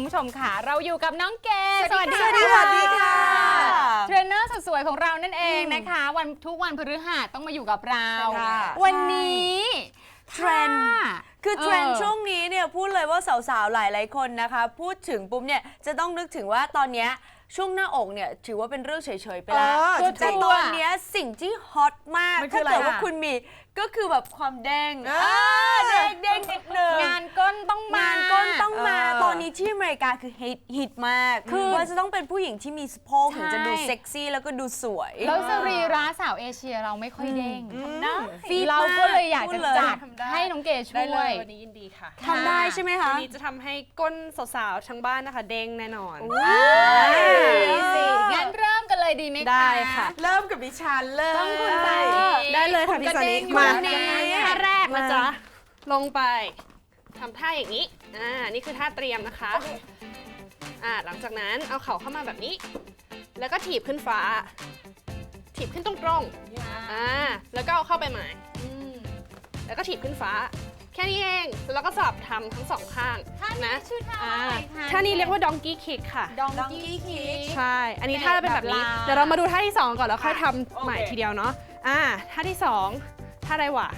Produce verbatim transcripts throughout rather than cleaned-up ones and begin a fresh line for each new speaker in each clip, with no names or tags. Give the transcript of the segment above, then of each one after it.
ผู้ชมค่ะเราอยู่กับน้องเกศ
สวัสดีค่ะสวัสดีค่ะ
เทรนเนอร์สวยๆของเรานั่นเองนะคะวันทุกวันพฤหัสต้องมาอยู่กับเราวันนี้
เทรนคือเทรนช่วงนี้เนี่ยพูดเลยว่าสาวๆหลายๆคนนะคะพูดถึงปุ๊บเนี่ยจะต้องนึกถึงว่าตอนนี้ช่วงหน้าอกเนี่ยถือว่าเป็นเรื่องเฉยๆไปแล้วแต่ตอนนี้สิ่งที่ฮอตมากถ้าเกิดว่าคุณมีก็คือแบบความเด้งเด้งเด้งนิดนึง
งานก้นต้องมาง
านก้นต้องมาตอนนี้ที่อเมริกาคือฮิตฮิตมากคือว่าจะต้องเป็นผู้หญิงที่มีสะโพกถึงจะดูเซ็กซี่แล้วก็ดูสวย
แล้วสรีระสาวเอเชียเราไม่ค่อยเด้งเราก็เลยอยากจะจัดให้น้องเกศช่วย
วันนี้ยินดีค่ะ
ทำได้ใช่ไหมคะ
วันนี้จะทำให้ก้นสาวๆทั้งบ้านนะคะเด้งแน่นอน
งั้นเริ่มกันเลยดีไหมคะ
ได้ค่ะ
เริ่มกับดิฉันเลย
ต้องคุณซานี
ได้เลยค่ะพี่ซานี
มา
ท่าแรกนะจ๊ะลงไปทำท่าอย่างนี้อ่านี่คือท่าเตรียมนะคะอ่าหลังจากนั้นเอาเข่าเข้ามาแบบนี้แล้วก็ถีบขึ้นฟ้าถีบขึ้นตรงๆอ่าแล้วก็เอาเข้าไปใหม่แล้วก็ถีบขึ้นฟ้าแค่นี้เองแล้วก็สลับทำทั้งสองข้างนะ
ชื่อท่าอะไรคะ
ท่านี้เรียกว่า donkey kick ค่ะ
donkey kick
ใช่อันนี้ท่าเป็นแบบนี้เดี๋ยวเรามาดูท่าที่สองก่อนแล้วค่อยทำใหม่ทีเดียวเนาะอ่าท่าที่สองท่าอะไรวะ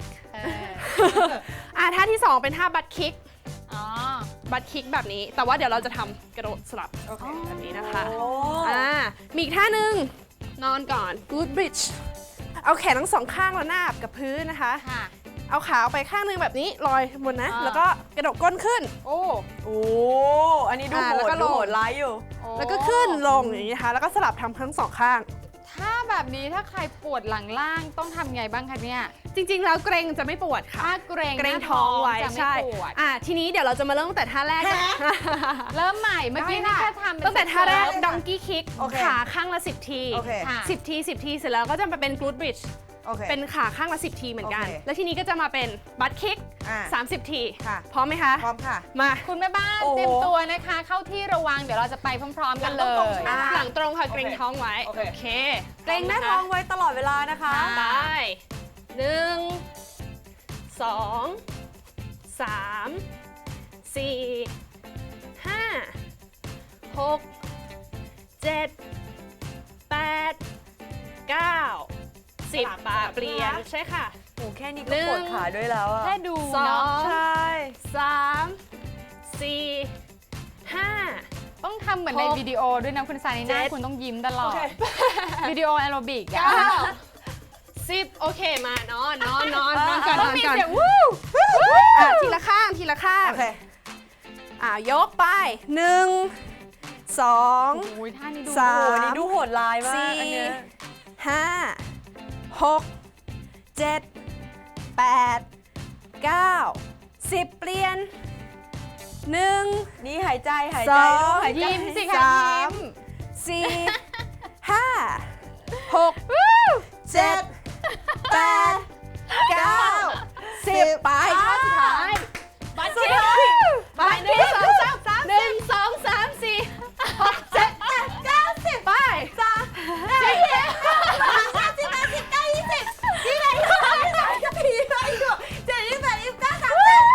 อ่าท่าที่สองเป็นท่าบัตคิกบัตคิกแบบนี้แต่ว่าเดี๋ยวเราจะทำกระโดดสลับแบบนี้นะคะอ่ามีอีกท่าหนึ่งนอนก่อน good bridge เอาแขนทั้งสองข้างแล้วนาบกับพื้นนะคะเอาขาไปข้างนึงแบบนี้ลอยบนนะแล้วก็กระโดดก้นขึ้น
โอ้โอ้อันนี้ดูโหดดูโหดร้ายอยู่
แล้วก็ขึ้นลงอย่างนี้นะคะแล้วก็สลับทำทั้งสองข้าง
ถ้าแบบนี้ถ้าใครปวดหลังล่างต้องทำไงบ้างคะเนี่ย
จริงๆแล้วเกรงจะไม่ปวดค่ะ
ถ้าเกรง
เกรงท้องไว้ใช่อ่ะทีนี้เดี๋ยวเราจะมาเริ่มตั้งแต่ท่าแรก
เริ่มใหม่เมื่อกี้นี่แค่ทำ
ตั้งแต่ท่าแรก donkey kick ขาข้างละสิบทีสิบทีสิบทีเสร็จแล้วก็จะมาเป็น glute bridgeเป็นขาข้างละสิบทีเหมือนกันแล้วทีนี้ก็จะมาเป็นบัตคิกสามสิบทีพร้อมไหมคะ
พร้อมค่ะ
มา
คุณแม่บ้านเตรียมตัวนะคะเข้าที่ระวังเดี๋ยวเราจะไปพร้อมๆกันเลย
หลังตรงค่ะเกรงท้องไว้โอเค
เกรงหน้าท้องไว้ตลอดเวลานะคะ
ไปหนึ่งสองสามสี่ห้าหกเจ็ดแปดเก้าสิบปาเปลี่ยนใช่ค่ะ
โอ้แค่นี้ก็ปวดขาด้วยแล้วอะ
แค่ดู
สอง
ใช่
สามสี่ห้า
ต้องทำเหมือนในวิดีโอด้วยนะคุณซานีน่าคุณต้องยิ้มตลอดวิดีโอแอโรบิกอะ
สิบโอเคมานอนนอนนอนนอนกันนอนกันทีละข้างทีละข้างอ่ายกไปหนึ่งสองสาม
นี่ดูโหดร้ายมาก
สี่ห้าหกเจ็ดแปดเก้าสิบเปลี่ยนหนึ่ง
นี่หายใจหายใจ
ด้วยยิ้มสิคะยิ้ม
สี่ห้าหกเจ็ดแปดเก้าสิบไปท่าสุดท้ายบัตรคิกไปหนึ่งสองสามสามหนึ่งสองสามสี่หกเจ็ดแปดเก้าสิบไปสามสี่ห้าสิบแปดสิบเก้ายี่สิบยี่สิบเอ็ดยี่สิบสองยี่สิบสามยี่สิบสี่ยี่สิบห้ายี่สิบหกเจ็ดยี่สิบแปดยี่สิบเก้าสามสิบ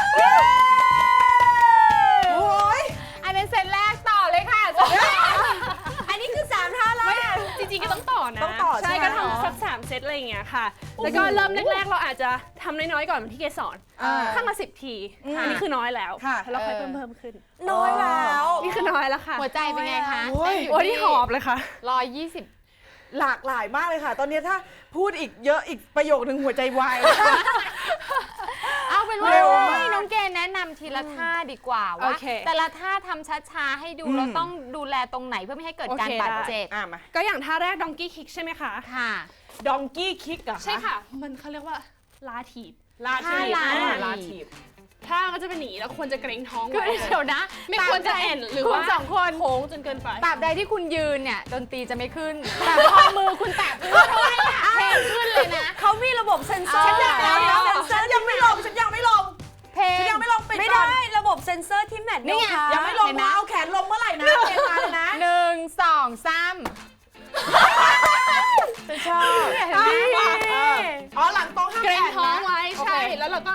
โอ้ยอันนั้นเซตแรกต่อเลยค่ะ
อันนี้คือสามท่าแรก
จริงๆก็ต้องต่อนะใช่ก็ทำสักสามเซตอะไรอย่างเงี้ยค่ะแล้วก็เริ่มแรกๆเราอาจจะทำน้อยๆก่อนเหมือนที่เกสอนข้างละสิบทีอันนี้คือน้อยแล้วเราค่อยเพิ่มเพิ่มขึ้น
น้อยแล้ว
นี่คือน้อยแล้วค่ะ
หัวใจเป็นไงคะ
โอ้ยที่หอบเลยค่ะ
ร้อยยี่สิบ
หลากหลายมากเลยค่ะตอนนี้ถ้าพูดอีกเยอะอีกประโยคนึงหัวใจวาย
เอาเป็นว่าให้น้องเกณฑ์แนะนำทีละท่าดีกว่าว่าแต่ละท่าทำช้าๆให้ดูเราต้องดูแลตรงไหนเพื่อไม่ให้เกิดการบาดเจ็บ
ก็อย่างท่าแรก donkey kick ใช่ไหมคะ
ค่ะ
donkey kick อะ
ใช่ค่ะมันเขาเรียกว่าลาถีบ
ลาถีบลาถีบ
ถ้าก็จะเป็นหนีแล้วควรจะเกรงท้อง
เดี๋ยวนะ
ไม่ควรจะแอนหรือว่า
สองคน
โค้งจนเกินไป
ตราบใดที่คุณยืนเนี่ยดนตรีจะไม่ขึ้นแต่พอมือคุณแตะพื้นเท่านั้นแหละเพลงขึ้นเลยนะ
เขามีระบบเซ็นเซอร์
ฉันยังฉันยังไม่ลงฉันยังไม่ลง
เพลง
ยังไม่ลง
ไม่ได้ระบบเซ็นเซอร์ที่แมท
นี่
ยังไม่ลงนะเอาแขนลงเมื่อไหร่นะเกณฑ์มาเลยนะ
หนึ่งสองสาม
ชอบ
อ๋อหลังตรงห้าม
เกรงท้องไว้ใช่แล้วเราก็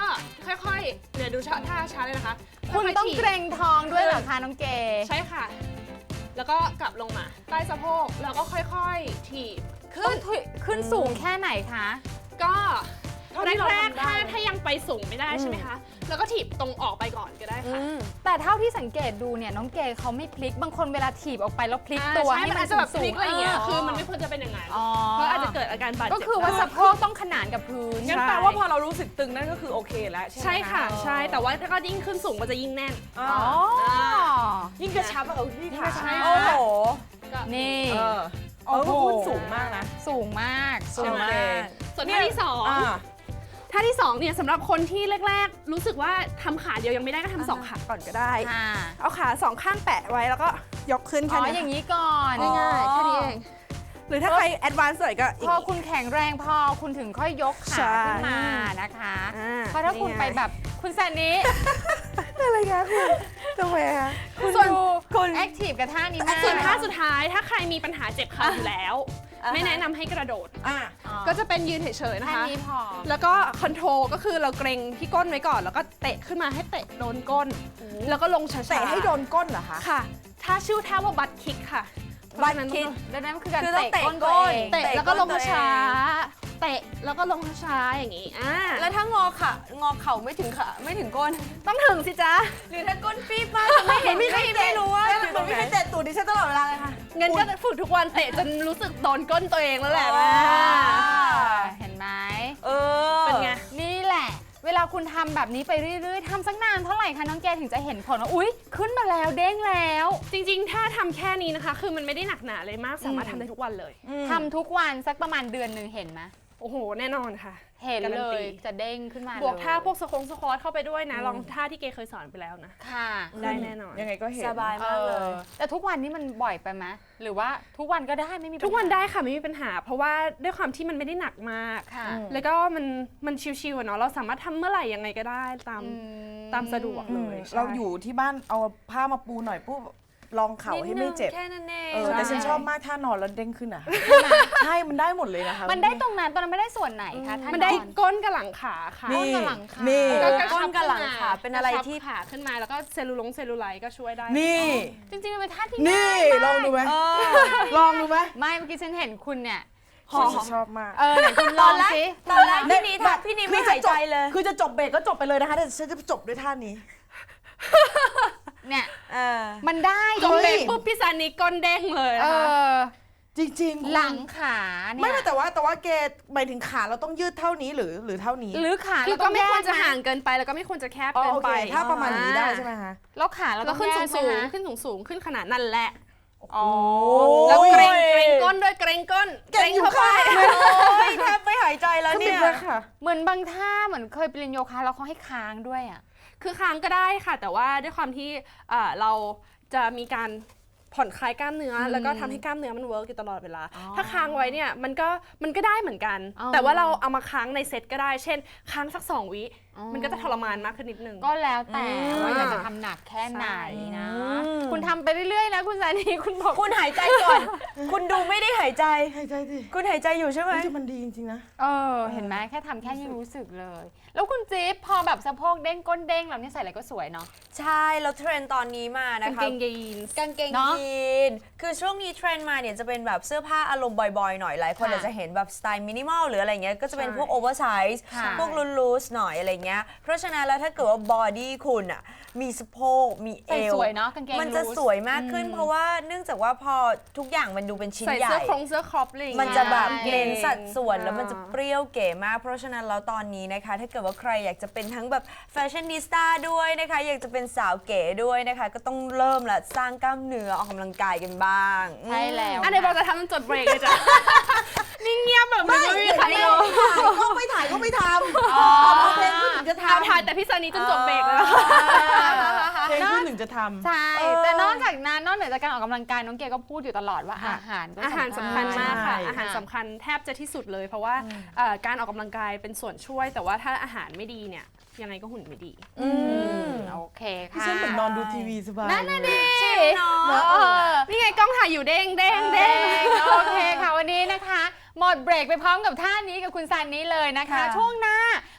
ค่อยๆเดี๋ยวดูท่าช้าเลยนะคะ
คุณต้องเกรงท้องด้วยเหรอคะน้องเก
ใช่ค่ะ แล้วก็กลับลงมาใต้สะโพกแล้วก็ค่อยๆถีบขึ้น
ขึ้นสูงแค่ไหนคะ
ก็แรกๆถ้าถ้ายังไปสูงไม่ได้ใช่ไหมคะแล้วก็ถีบตรงออกไปก่อนก็ได้ค่ะ
แต่เท่าที่สังเกตดูเนี่ยน้องเกเขาไม่พลิกบางคนเวลาถีบออกไปแล้วพลิกตัวให้มัน
จะแบบพ
สู
ลิ
ง
กอะไรอย่างเงี้ย
ๆ
คือมันไม่ควรจะเป็นอย่างนั้น
อ๋อ
เพราะอาจจะเกิดอาการบาดเจ็บ
ก็คือว่าสะโพกต้องขนานกับพื้น
งั้นแปลว่าพอเรารู้สึกตึงนั่นก็คือโอเคแล้วใช่ไหม
ใช่ค่ะใช่แต่ว่าถ้าก็ยิ่งขึ้นสูงก็จะยิ่งแน่น
อ๋อ
อ๋อ
ยิ่งกระชับอะเออพี่ค่ะ
ใช่
โอ้โห
นี่
เออเออก็คุณสูงมากนะ
สูงมาก
สูงมาก
ส่วนท่าที่สอง
อ่า
ท่าที่สองเนี่ยสำหรับคนที่แรกๆ รู้สึกว่าทำขาเดียวยังไม่ได้ก็ทำสองขาก่อนก็ได้
ค่ะ
เอาขาสองข้างแปะไว้แล้วก็ยกขึ้น
อ๋
แค่
อ
นี้
อย่างนี้ก่อน
ง่ายๆแค่นี้เองหรือถ้าใครแอดวานซ์หน่อยก็อี
พ
ก
อคุณแข็งแรงพอคุณถึงค่อยยก
ใช่
ขาขึ้นมานะคะ
อ่า
เพราะถ้าคุณไปแบบคุณแซนนี้
อะไรคะคุณทำไมคะ
คุณ
ส่วน
ดู
คุณ
แอคทีฟกับท่านี้มาก
ส่วนท่าสุดท้ายถ้าใครมีปัญหาเจ็บเข่าอยู่แล้ว ไม่แนะนำให้กระโดด
อ่ะ
ก็จะเป็นยืนเฉยๆนะ
ท่า
คะ
นี้พอ
แล้วก็คอนโทรลก็คือเราเกรงที่ก้นไว้ก่อน แล้วก็เตะขึ้นมาให้เตะโดนก้น แล้วก็ลงช้าๆ
เตะให้โดนก้นเหรอคะ
ค่ะ ถ้าชื่อท่าว่าบัตคิกค่ะ
บัตคิก
ดังนั้นคือการ
คือต้อง
เตะ
เตะ
ก้น
ก้
ตัวน เอง
เตะแล้วก็ลง
เตะก้นตัวเอง
ช้าๆเตะแล้วก็ลงช้าๆอย่างนี้อ่า
แล้วถ้างอขางอเข่าไม่ถึงขาไม่ถึงก้น
ต้องถึงสิจ๊ะ
หรือถ้าก้นฟีบมากจะไม่เห็นไม่ไม่รู้ว่าอยู่ตรงไหน
เตะตูดดิฉันตลอดเวลาเลยค่ะ
งั้นก็ฝึกทุกวันเตะจนรู้สึกโดนก้นตัวเองแล้วแหละ
อ๋อ
เห็นไหม
เออ
เป็นไง
นี่แหละ เวลาคุณทำแบบนี้ไปเรื่อยๆทำสักนานเท่าไหร่คะน้องแกถึงจะเห็นผลว่าอุ๊ยขึ้นมาแล้วเด้งแล้ว
จริงๆ ถ้าทำแค่นี้นะคะ คือมันไม่ได้หนักหนาเลยมาก สามารถทำได้ทุกวันเลย
ทำทุกวันสักประมาณเดือนหนึ่งเห็นไหม
โอ้โห แน่นอนค่ะ
เห็น
การั
เล
ตี
ยจะเด้งขึ้นมา
บวกท่า
เลย
พวกสควงสควอตเข้าไปด้วยนะ ลองท่าที่เกเคยสอนไปแล้วนะ
ค่ะ
ได้แน่นอน
ยังไงก็เห็น
สบายมากเลย
ออแต่ทุกวันนี้มันบ่อยไปไหมหรือว่าทุกวันก็ได้ไม่มีปัญหา
ทุกวันได้ค่ะ ไม่มีปัญหา เพราะว่าด้วยความที่มันไม่ได้หนักมาก
ค่ะ
แล้วก็มันมันชิวๆอะเนาะ เราสามารถทำเมื่อไหร่ยังไงก็ได้ตาม
อืม
ตามสะดวกเลยใช่
เราอยู่ที่บ้านเอาผ้ามาปูหน่อยปุ๊บลองเข่าให้ไม่เจ็บ
แค่นั้นเอง
เออแต่ฉันชอบมากท่านอนแล้วเด้งขึ้นอ่ะ ใช่ มันได้หมดเลยนะคะ
มันได้ตรงนั้นตอนนั้นไม่ได้ส่วนไหนคะท่าน
มันได้
นอน
ก้นกับหลังขาค่ะ
ก้นกับหลังขา
นี่
เออ
กระชับ
ก้นกับหลังขาเป็นอะไร
กชับ
ที่
ขาขึ้นมาแล้วก็เซลลูลงเซลลูไลท์ก็ช่วยได้
นี่
จริงๆมันเป็นท่าที่
นี่
ง่ายมาก
ลองดูไหม
เออ
ลองดูไหม
ไม่เมื่อกี้ฉันเห็นคุณเนี่ย
ฉันชอบมาก
เออไหนคุณลองสิ
ตอนแรกพี่นี้ทักพี่นี้ไม่หายใจเลย
คือจะจบเบรกก็จบไปเลยนะคะ แต่ฉันจะจบด้วยท่านี้
เนี่ย
เออ
มันได้
จบ
เล
เบร
ย
กปุ๊บพี่ซันนี่ก้นเด้งเลย
เอ
นะคะ
อ
จริงๆคุณ
หลังขาเนี่ย
ไม่ไม่แต่ว่าแต่ว่าเกย์หมายถึงขาเราต้องยืดเท่านี้หรือหรือเท่านี้
หรือขา
คือ
เรา
ก็
ต้อง
ไม่ควรจะ
แยกน
ห่างเกินไปแล้วก็ไม่ควรจะแคบ
อ๋อ
เกิน
โอ
ไป
เคถ้าประมาณนี้ได้ใช่ไหมคะ
แล้วขาเรา
แล้
ต้
ว
อง
ขึ้น
แย
สู
ก
ง
ไหม
สูง
คะ
ขึ้นสูงสูงขึ้นขนาดนั่นแหละ
อ๋อ
แล้วเกรง
โอ้ย
เกรงก้นด้วยเกรงก้น
เก่งอยู่
เข้าไป
ค่ะ
โอ้ยแทบไม่หายใจแล้วเนี่ย
ค่ะ
เหมือนบางท่าเหมือนเคยไปเรียนโยคะแล้วเขาให้ค้างด้วยอ่ะ
คือค้างก็ได้ค่ะ แต่ว่าด้วยความที่เอ่อเราจะมีการผ่อนคลายกล้ามเนื้ออแล้วก็ทำให้กล้ามเนื้อมันเวิร์กอยู่ตลอดเวลา
อ๋อ
ถ้าค้างไว้เนี่ยมันก็มันก็ได้เหมือนกัน
อ๋อ
แต่ว่าเราเอามาค้างในเซตก็ได้ เช่น ค้างสักสองวิ
อ๋อ
มันก็จะทรมานมากขึ้นนิดนึง
ก็แล้วแต่
อืม
ว่าอยากจะทำหนักแค่ไหนนะ
อืม
คุณทำไปเรื่อยๆนะคุณสานีคุณบอก
คุณหายใจก่อน คุณดูไม่ได้หายใจ
หายใจดิ
คุณหายใจอยู่ใช่ไหม
เฮ้ยแต่มันดีจริงๆนะ
เออเห็นไหมแค่ทำแค่นี้รู้สึกเลย แล้วคุณจิ๊บพอแบบสะโพกเด้งก้นเด้งเราเนี่ยใส่อะไรก็สวยเนาะ
ใช่ แล้วเทรนด์ตอนนี้มานะ
กาง
คะ
เกงยีนส์
กางเกง
เนอะ
ยีนคือช่วงนี้เทรนด์มาเนี่ยจะเป็นแบบเสื้อผ้าอารมณ์บอยๆหน่อยหลายคน
ค่ะ
อาจจะเห็นแบบสไตล์มินิมอลหรืออะไรเงี้ยก็จะเป็น
ใช่
พวกโอเวอร์ไซส์
ค่ะ
พวกลูสๆหน่อยอะไรเงี้ยเพราะฉะนั้นแล้วถ้าเกิดว่าบอดี้คุณอ่ะมีสะโพกมีเอ
ใส่
ว
สวยเนาะกางเกง
มันจะ
ลู
สวยมากขึ้น เพราะว่าเนื่องจากว่าพอทุกอย่างมันดูเป็นชิ้น
ใส่
ใหญ่
เสื้อโครงเสื้อครอปอะไรอย่าง
มัน
เงี้ย
จะแบบ
ใช่
เน้นสัดส่วน
อ่า
แล้วมันจะเปรี้ยวเก๋มาก เพราะฉะนั้นแล้วตอนนี้นะคะ ถ้าเกิดว่าใครอยากจะเป็นทั้งแบบแฟชั่นนิสต้าด้วยนะคะ อยากจะเป็นสาวเก๋ด้วยนะคะ ก็ต้องเริ่มละสร้างกล้ามเนื้อออกกำลังกายกันบ้าง
ใช่แล้ว
อันไหนบอกจะทำจนจดเบรกเลยจ้ะ นิ่งเงียบแบบไม่มีใครเลย
ก็ไม่ถ่ายก็ไม่ทำเอาเพลงขึ้นถึงจะ
เอา
ทำ
ถ่ายแต่พี่ซันนี่จนจบเบรกเลยนะ
เพลงขึ้นถึงจะทำ
ใช่ แต่นอกจากนั้นนอกเหนือจากการออกกำลังกายน้องเกก็พูดอยู่ตลอดว่าอาหารก็
อาหารสำคัญมากค่ะ
ใช่
อาหารสำคัญแทบจะที่สุดเลย เพราะว่าเอ่อการออกกำลังกายเป็นส่วนช่วย แต่ว่าถ้าอาหารไม่ดีเนี่ยยังไงก็หุ่นไม่ดี
อืม
โอเค
พี่
ค่ะ
ฉันเหมือนนอนดูทีวีสบาย
นั่นน่ะดิ
เนาะ
เออ
นี่ไงกล้องถ่ายอยู่เด้งเด้งเด้
เด้
ง
งโอเคค่ะวันนี้นะคะ หมดเบรกไปพร้อมกับท่านี้กับคุณซันนี้เลยนะคะ
ค่ะ
ช่วงหน้า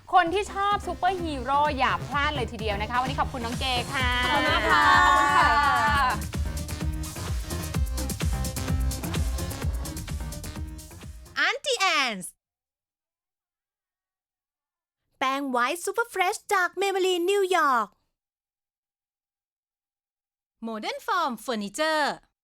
คนที่ชอบซูเปอร์ฮีโร่อย่าพลาดเลยทีเดียวนะคะ วันนี้ขอบคุณน้องเกค่ะ
ขอบคุณมากค่ะ
ขอบคุณค่ะ
Auntie Anne's แป้งไวท์ซูเปอร์เฟรชจากเมเบลีนนิวยอร์ก Modern Form Furniture